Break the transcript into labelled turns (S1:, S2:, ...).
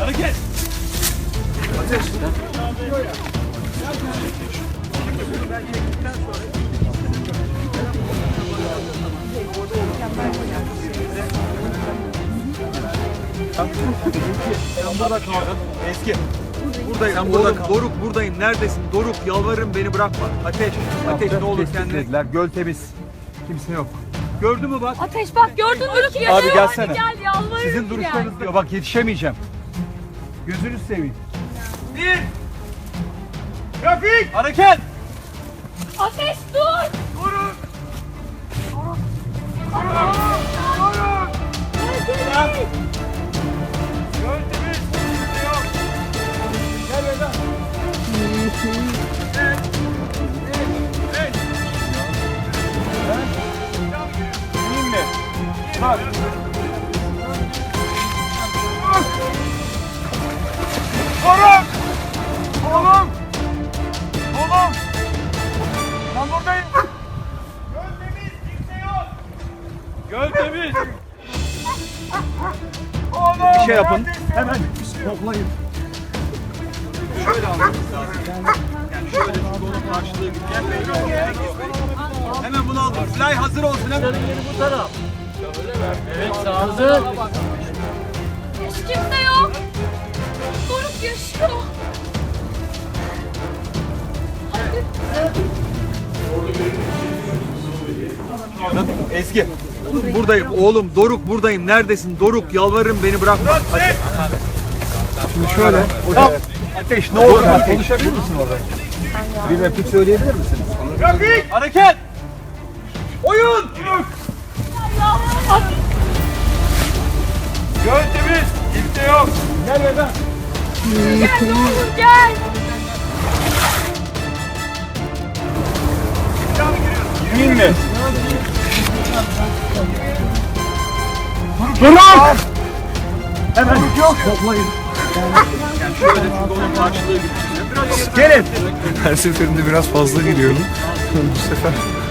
S1: Hareket.
S2: Ateş.
S1: Sen burada kaldın. Eski.
S2: Buradayım.
S1: Sen burada
S2: Oğlum,
S1: kal.
S2: Doruk buradayım. Neredesin? Doruk yalvarırım beni bırakma. Ateş. Ateş ne olur kendine.
S1: Dediler. Göl temiz. Kimse yok.
S2: Gördün mü bak?
S3: Ateş bak gördün mü ki?
S1: Abi gelsene.
S3: Hadi gel yalvarırım.
S1: Sizin duruşlarınız diyor. Bak yetişemeyeceğim. Gözünü seveyim. Bir. Trafik. Hareket.
S3: Ateş dur.
S1: Durun.
S3: Gel.
S1: Göl temiz. Kimse yok. Gel Vedat. İyiyim mi? Bak. Oğlum! Oğlum! Oğlum! Ben buradayım. Göl temiz, kimse yok. Göl temiz. Oğlum!
S2: Bir şey yapın.
S1: Hemen toplayın.
S2: Şöyle almamız lazım. Yani şöyle şu dolun karşılığı gibi. Gel. Hemen bunu aldım. Fly hazır olsun hemen.
S3: Hiç kimse yok. Doruk yaşıyor.
S2: Ezgi. Buradayım oğlum. Doruk buradayım. Neredesin? Doruk yalvarırım beni bırakma. Ateş.
S1: Şimdi şöyle.
S2: Ateş ne olur ateş.
S1: Konuşabilir misin orada?
S2: Bir replik söyleyebilir misiniz?
S1: Trafik! Hareket! Oyun! Göl temiz, kimse yok. Gel Vedat.
S3: Gel ne olur gel.
S1: Yemin mi? Durun! Hemen toplayın.
S2: Yani şöyle şu dolun karşılığı gibi.
S1: Gelin.
S4: Her seferinde biraz fazla giriyorum. Bu sefer